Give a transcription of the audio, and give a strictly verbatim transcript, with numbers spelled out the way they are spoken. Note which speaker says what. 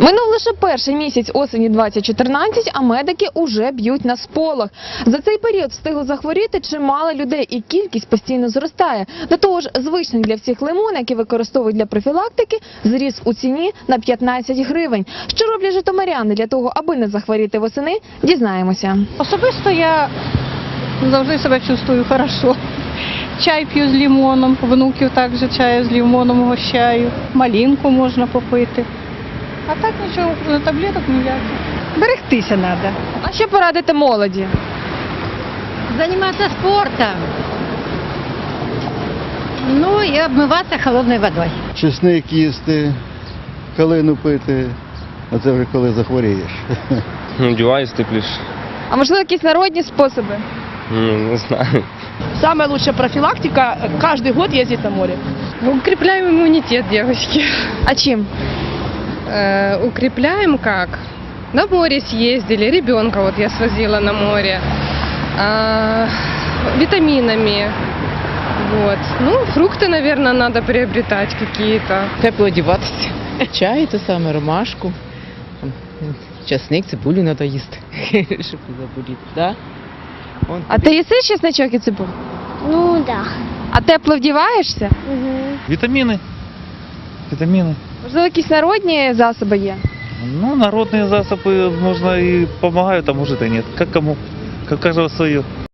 Speaker 1: Минув лише перший місяць осені двадцять чотирнадцять, а медики уже б'ють на сполох. За цей період встигло захворіти чимало людей, і кількість постійно зростає. До того ж, звичний для всіх лимон, який використовують для профілактики, зріс у ціні на п'ятнадцять гривень. Що роблять житомиряни для того, аби не захворіти восени, дізнаємося.
Speaker 2: Особисто я завжди себе чувствую хорошо. Чай п'ю з лимоном, внуків також чаю з лимоном угощаю, малинку можна попити. А так нічого, таблеток ніяких. Берегтися треба.
Speaker 1: А що порадите молоді?
Speaker 3: Заниматься спортом. Ну и обмываться холодной водой.
Speaker 4: Чесник їсти, калину пити, а це вже коли захворієш.
Speaker 5: Одеваюсь тепліше.
Speaker 1: А можливо, якісь народні способи?
Speaker 5: Ну, не знаю.
Speaker 6: Самая лучшая профилактика – каждый год ездить на море.
Speaker 7: Укрепляем иммунитет, девочки.
Speaker 1: А чим?
Speaker 7: Э, укрепляем как? На море съездили, ребенка вот я свозила на море. А, витаминами. Вот. Ну, фрукты, наверное, надо приобретать какие-то.
Speaker 8: Тепло одіватися. Чай, те саме, ромашку. Там, часник, цибулю треба їсти, щоб не заболіти. Да? Вон
Speaker 1: А ти їси чесничок і цибулю?
Speaker 9: Ну да.
Speaker 1: А тепло вдіваєшся?
Speaker 9: Угу.
Speaker 10: Витамины. Витамины.
Speaker 1: Можливо, якісь народні засоби є?
Speaker 10: Ну, народные засобы, можно и помогают, а может и нет. Как кому. Как каждого свое.